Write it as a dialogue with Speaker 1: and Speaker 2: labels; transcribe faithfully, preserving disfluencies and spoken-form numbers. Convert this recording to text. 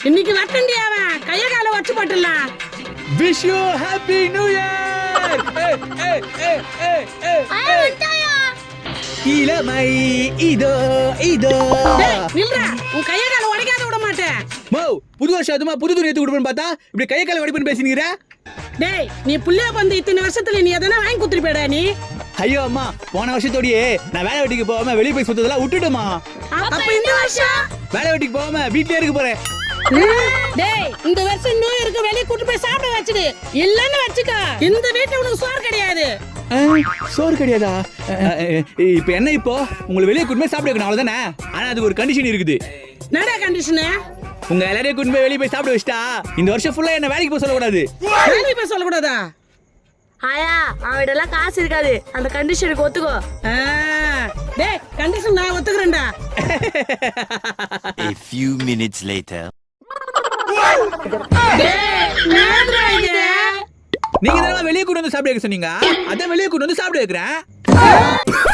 Speaker 1: இன்னைக்கு வரட்டண்டி அவன் கைய கால வச்சு போட்டுடலாம்.
Speaker 2: Wish you happy new year. ஏய் ஏய் ஏய் ஏய் ஏய்
Speaker 3: ஐயா விட்டாயா
Speaker 2: இளமை இதோ இதோ.
Speaker 1: டேய் நில்றா, உன் கைய கால உடைக்காத விட மாட்டேன்.
Speaker 2: மோ புது வருஷம் அதுமா புது துணி எடுத்து கொடுப்பேன்னு பார்த்தா இப்படி கைய கால வடிப்பேன்னு பேசினீங்கற.
Speaker 1: டேய் நீ புள்ளைய வந்து இத்தனை வருஷத்துல நீ எதனா வாங்கி குடுத்துட்டு போடா நீ.
Speaker 2: ஐயோ அம்மா போன வருஷத்தோடயே நான் வேலை வெட்டிக்கு போகாம வெளிய போய் சுத்ததெல்லாம் விட்டுடுமா.
Speaker 1: அப்ப இந்த வருஷம்
Speaker 2: வேலை வெட்டிக்கு போகாம வீட்லயே இருக்க போறேன்.
Speaker 1: டேய் இந்த வருஷம் நியூ இயருக்கு வெளிய கூட்டி போய் சாப்பிட வச்சிடு. இல்லன்னு வச்சுக்க இந்த வீட்ல உனக்கு சோறு கிடையாது.
Speaker 2: சோறு கிடையாதா? இப்போ என்ன இப்போ உங்களை வெளியே கூட்டி போய் சாப்பிட வைக்கணும் அவ்வளவுதானே. ஆனா அதுக்கு ஒரு கண்டிஷன் இருக்குது.
Speaker 1: என்னடா கண்டிஷன்?
Speaker 2: உங்க எல்லாரையும் கூட்டி போய் வெளியே போய் சாப்பிட வச்சிட்டா இந்த வருஷம் ஃபுல்லா என்ன வேலைக்கு போக சொல்லக்கூடாது.
Speaker 1: வேலைக்கு போய் சொல்லக்கூடாதா?
Speaker 3: ஆயா அவன்கிட்ட எல்லாம் காசு இருக்காது, அந்த கண்டிஷனுக்கு ஒத்துக்கோ.
Speaker 1: டேய் கண்டிஷன் நான் ஒத்துக்கறேன்டா.
Speaker 4: A few minutes later.
Speaker 1: டேய் நேரா இது.
Speaker 2: நீங்க தான் வெளியே கூட்டி வந்து சாப்பிட வைக்க சொன்னீங்க. அதான் வெளியே கூட்டி வந்து சாப்பிட வைக்கிறேன்.